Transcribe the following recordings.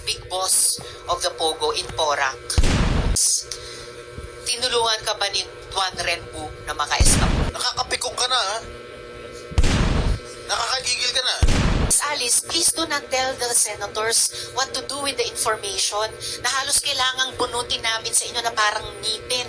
big boss of the Pogo in Porac. Tinulungan ka ba ni Juan Renbu na maka-escape? Nakakapikong ka na, ha? Nakakagigil ka na. Miss Alice, please do not tell the senators what to do with the information na halos kailangang bunutin namin sa inyo na parang ngipin.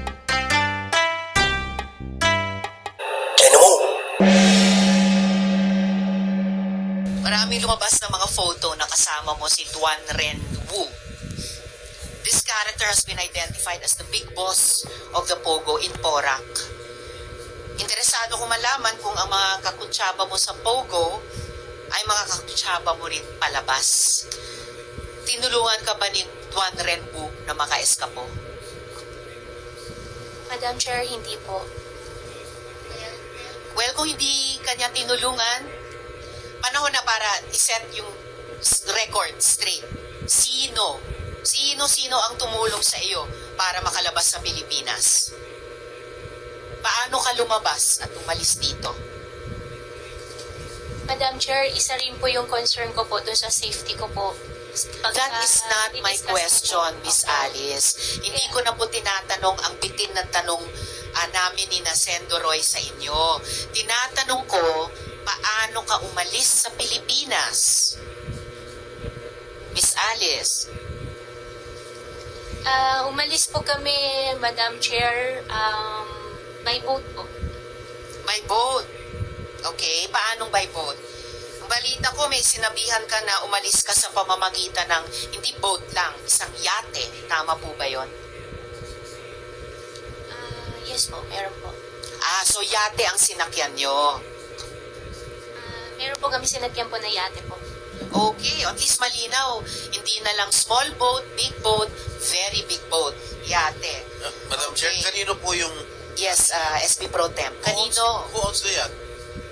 Maraming lumabas na mga photo na kasama mo si Juan Renbu. This character has been identified as the big boss of the Pogo in Porac. Interesado ko malaman kung ang mga kakutsaba mo sa Pogo ay mga kakutsaba mo rin palabas. Tinulungan ka ba ni Juan Renbu na maka-eskapo? Madam Chair, hindi po. Well, kung hindi kanya tinulungan, panahon na para iset yung record straight. Sino ang tumulong sa iyo para makalabas sa Pilipinas? Paano ka lumabas at umalis dito? Madam Chair, isa rin po yung concern ko po doon sa safety ko po. That is not my question, Miss Alice. Hindi ko na po tinatanong ang bitin ng tanong namin ni Nasendo Roy sa inyo. Tinatanong ko, paano ka umalis sa Pilipinas? Miss Alice. Umalis po kami, Madam Chair, by boat po. By boat. Okay, paanong by boat? Ang balita ko, may sinabihan ka na umalis ka sa pamamagitan ng hindi boat lang, isang yate. Tama po ba yon? Yes po, meron po. So yate ang sinakyan nyo. Meron po kami sinagyan po na yate po. Okay, at least malinaw. Hindi na lang small boat, big boat, very big boat. Yate. Madam Okay. Chair, kanino po yung... Yes, SP Pro Temp. Kanino? Who owns the yacht?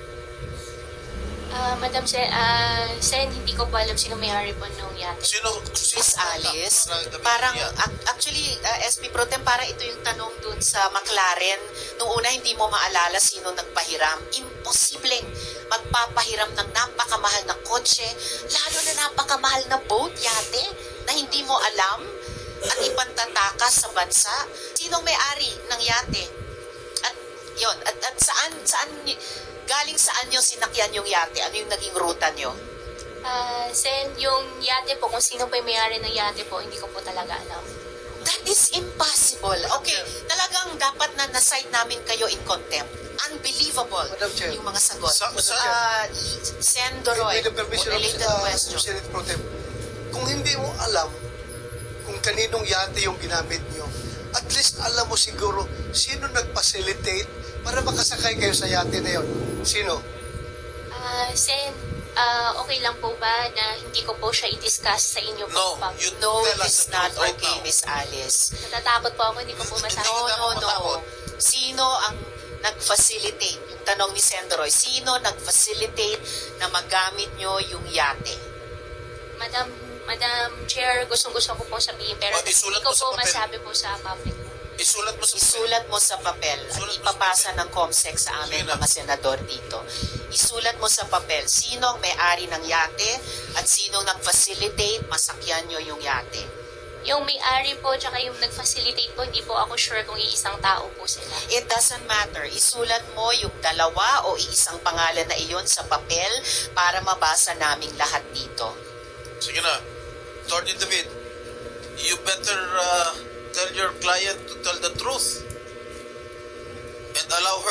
Madam Chair, Sen, hindi ko po alam sino may-ari po nung yate. Sino Miss Alice, Parang- parang yacht? actually SP Pro Tem, para ito yung tanong dun sa McLaren. Nung una hindi mo maalala sino nagpahiram. Imposibleng magpapahiram ng napakamahal na kotse, lalo na napakamahal na boat, yate, na hindi mo alam at ipantatakas sa bansa. Sinong may-ari ng yate? At yon, at saan galing saan yung sinakyan yung yate? Ano yung naging ruta nyo? Sen, yung yate po, kung sino po yung may-ari ng yate po, hindi ko po talaga alam. That is impossible. Okay, talagang dapat na na-cite namin kayo in contempt. Unbelievable Madam Chair. yung mga sagot. Sen. With Doroy, the permission of related question. Senate Pro Tem, kung hindi mo alam kung kaninong yate yung ginamit nyo, at least alam mo siguro sino nag-facilitate para makasakay kayo sa yate na yun. Sino? Sen, okay lang po ba na hindi ko po siya i-discuss sa inyo po? No, Pag- you No, tell us it's the not truth right okay, now. Miss Alice. Natatakot po ako, hindi ko po masabi. No. Sino ang nag-facilitate? Yung tanong ni Sendroy, sino nag-facilitate na magamit nyo yung yate? Madam Chair, gustong-gusto ko po sabihin, pero Oh, isulat hindi ko mo sa po papel. masabi po sa public. Isulat mo sa... Isulat mo sa papel at Isulat mo sa ipapasa ng COMSEC sa aming Sige na. mga senador dito. Isulat mo sa papel sino ang may-ari ng yate at sino nag-facilitate masakyan nyo yung yate. Yung may-ari po, tsaka yung nag-facilitate po, hindi po ako sure kung iisang tao po sila. It doesn't matter. Isulat mo yung dalawa o iisang pangalan na iyon sa papel para mabasa naming lahat dito. Sige na. Attorney David, you better tell your client to tell the truth and allow her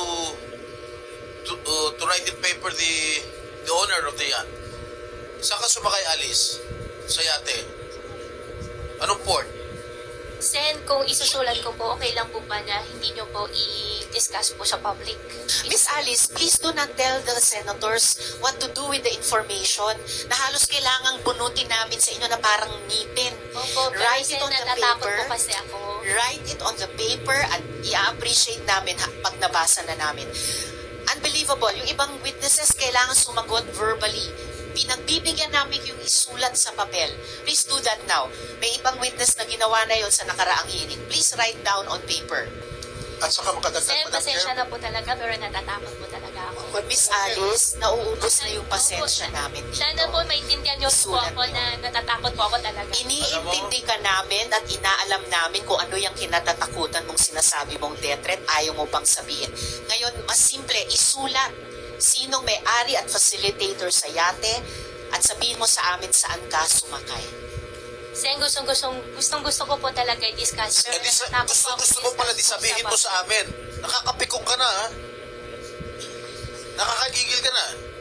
to write in paper the owner of the yacht. Saan ka sumakay, Alice? Sa yate? Anong port? Sen, kung isusulat ko po, okay lang po ba na hindi nyo po i-discuss po sa public? Miss Alice, please do not tell the senators what to do with the information na halos kailangang bunutin namin sa inyo na parang ngipin. Opo, pero Write Sen, it on the natatakot paper. po kasi ako. Write it on the paper at i-appreciate namin pag nabasa na namin. Unbelievable. Yung ibang witnesses kailangan sumagot verbally. Pinagbibigyan namin yung isulat sa papel. Please do that now. May ibang witness na ginawa na yon sa nakaraang hearing. Please write down on paper. At saka makadagdag, Sen, Madam pasensya Chair. na po talaga, pero natatakot po talaga ako. Miss Alice, nauubos na yung pasensya namin dito. Sana po maintindihan niyo po Sulat ako niyo. na natatakot po ako talaga. Iniintindi ka namin at inaalam namin kung ano yung kinatatakutan mong sinasabi mong death threat, ayaw mo pang sabihin. Ngayon, mas simple, isulat sinong may-ari at facilitator sa yate at sabihin mo sa amin saan ka sumakay. Sen, gustong gusto ko po talaga i-discuss. Pero Eh, di sa, natatakot po ako gusto mo pala di i-discuss po sabihin mo sa amin. Nakakapikong ka na, ha? Nakakagigil ka na.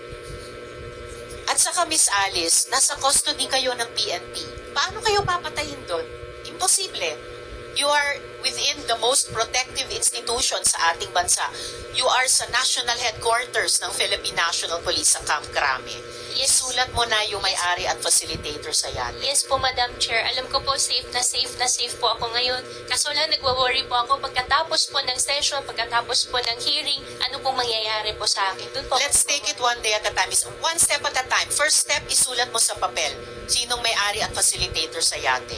At saka Miss Alice, nasa custody kayo ng PNP. Paano kayo papatayin doon? Imposible. You are within the most protective institution sa ating bansa. You are sa national headquarters ng Philippine National Police sa Camp Crame. Isulat mo na yung may-ari at facilitator sa yate. Yes po, Madam Chair. Alam ko po, safe po ako ngayon. Kaso lang, nagwa-worry po ako pagkatapos po ng session, pagkatapos po ng hearing, ano pong mangyayari po sa akin. Doon po Let's take it one day at a time. One step at a time. First step, isulat mo sa papel. Sinong may-ari at facilitator sa yate?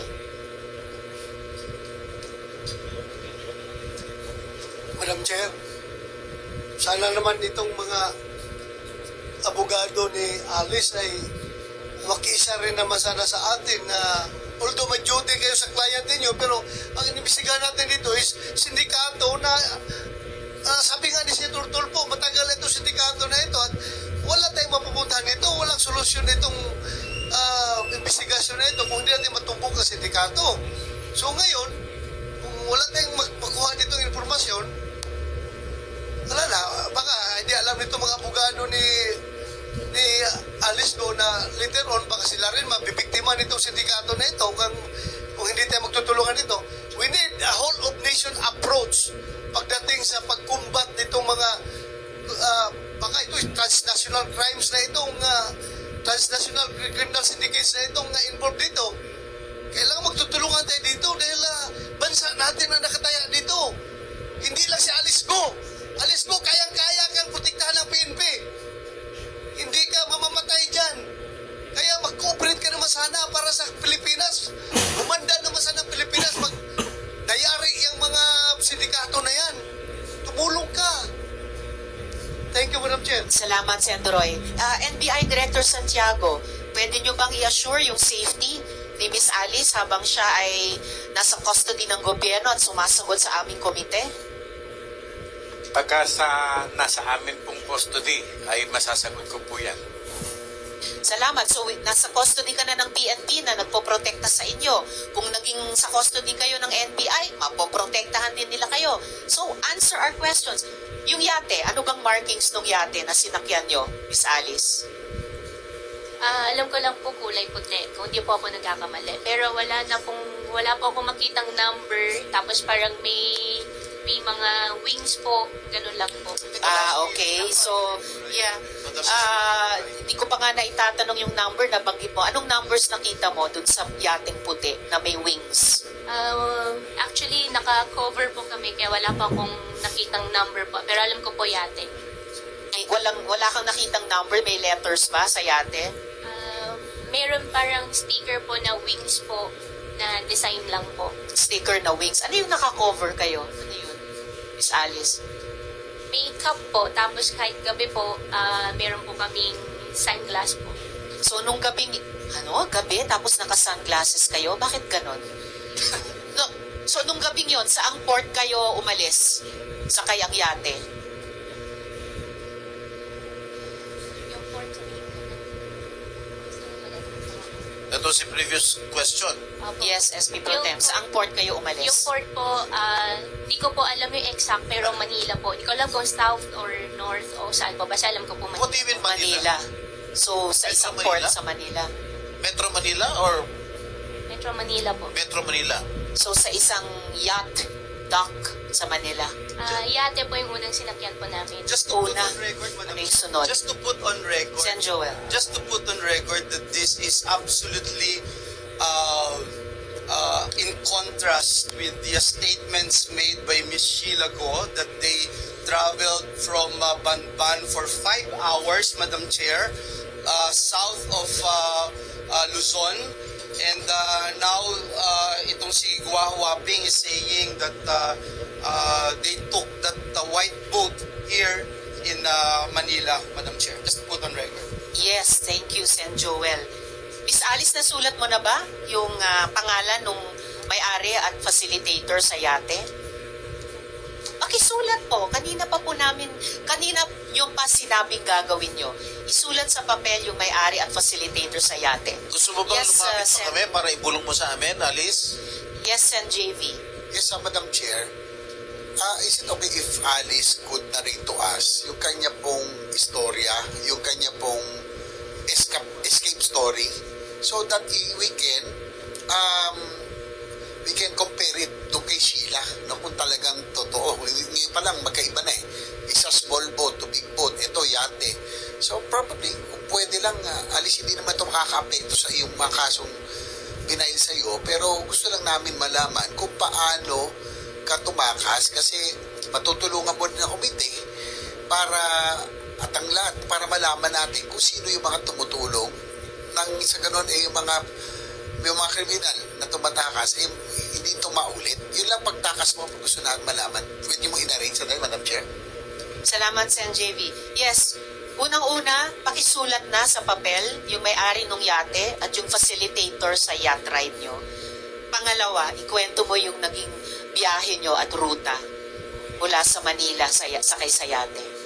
Madam Chair, sana naman itong mga abogado ni Alice ay makiisa rin naman sana sa atin na although may duty kayo sa client ninyo, pero ang inimbestigahan natin dito is sindikato na sabi nga ni Senator Tulfo, matagal itong sindikato na ito at wala tayong mapupuntahan nito, walang solusyon itong investigasyon na ito kung hindi natin matumbok ang sindikato. So ngayon, kung wala tayong makuha ditong informasyon, wala na, baka hindi alam nito mga abogado ni Alice do na later on baka sila rin mabibiktima nitong sindikato na ito kung hindi tayo magtutulungan nito. We need a whole of nation approach pagdating sa pagkumbat nitong mga baka ito transnational crimes na itong transnational criminal syndicates na itong involved dito. Kailangan magtutulungan tayo dito dahil bansa natin ang nakataya dito. Hindi lang si Alice Go. Alice Go, kayang-kaya kang protektahan ng PNP. Hindi ka mamamatay dyan. Kaya mag-cooperate ka naman sana para sa Pilipinas. Umanda naman sana ng Pilipinas. Dayari yung mga sindikato na yan. Tumulong ka. Thank you, Madam Chair. Salamat, Senator Roy. NBI Director Santiago, pwede nyo bang i-assure yung safety ni Miss Alice habang siya ay nasa custody ng gobyerno at sumasagot sa aming komite? Pagka nasa amin pong custody, ay masasagot ko po yan. Salamat. So, nasa custody ka na ng PNP na nagpoprotekta sa inyo. Kung naging sa custody kayo ng NBI, mapoprotektahan din nila kayo. So, answer our questions. Yung yate, ano bang markings ng yate na sinakyan nyo, Miss Alice? Alam ko lang po kulay puti, kung hindi po ako nagkakamali. Pero wala po ako makitang number, tapos parang may mga wings po, ganun lang po. Okay. So, yeah. Hindi ko pa nga naitatanong yung number na banggit mo. Anong numbers nakita mo dun sa yating puti na may wings? Actually, naka-cover po kami, kaya wala pa akong nakitang number po. Pero alam ko po yate. Wala kang nakitang number? May letters ba sa yate? Meron parang sticker po na wings po, na design lang po. Sticker na wings. Ano yung naka-cover kayo? Ano yun, Miss Alice? May cup po, tapos kahit gabi po, meron po kaming sunglass po. So, nung gabing, gabi, tapos naka-sunglasses kayo? Bakit ganon? No, so, nung gabing yon, saang port kayo umalis? Sa kayang yate? Yung port sa That was the previous question. Yes, SP Pro Tem. Saang port kayo umalis? Yung port po, di ko po alam yung exact, pero Manila po. Di ko alam kung south or north o saan po. Basta alam ko po What do you Manila. mean Manila? So, sa Metro isang Manila? port sa Manila. Metro Manila or Metro Manila po. Metro Manila? So, sa isang yacht dock sa Manila. Yate po yung unang sinakyan po namin. Just to put Una. on record, Madam Ano yung sunod? Just to put on record, Sen Joel. just to put on record that this is absolutely in contrast with the statements made by Ms. Sheila Go that they traveled from Banban for 5 hours, Madam Chair, south of Luzon, And now, itong si Gua Huaping is saying that they took that white boat here in Manila, Madam Chair. Just put on record. Yes, thank you, Sen Joel. Miss Alice, nasulat mo na ba yung pangalan nung may-ari at facilitator sa yate? Pakisulat po. Kanina yung pa sinabing gagawin nyo. Isulat sa papel yung may-ari at facilitator sa yate. Gusto mo bang Yes, lumapit Sen. pa kami para ibulong mo sa amin, Alice? Yes, Sen JV. Yes, Madam Chair. Is it okay if Alice could narrate to us yung kanya pong istorya, yung kanya pong escape story, so that we can compare it doon kay Sheila, no, kung talagang totoo. Ngayon pa lang, magkaiba na eh. Isa small boat to big boat, ito yate. So probably, kung pwede lang, Alice, hindi naman ito makaka-apekto sa iyong mga kasong binail sa iyo, pero gusto lang namin malaman kung paano ka tumakas, kasi matutulungan mo din ang komite para at ang lahat, para malaman natin kung sino yung mga tumutulong nang sa ganun yung mga kriminal na tumatakas hindi ito maulit. Yun lang pagtakas mo, pag gusto natin malaman. Pwede mo inarrange sa tayo, Madam Chair? Salamat, Sen JV. Yes, unang-una, pakisulat na sa papel yung may-ari ng yate at yung facilitator sa yacht ride nyo. Pangalawa, ikwento mo yung naging biyahe nyo at ruta mula sa Manila sakay sa yate.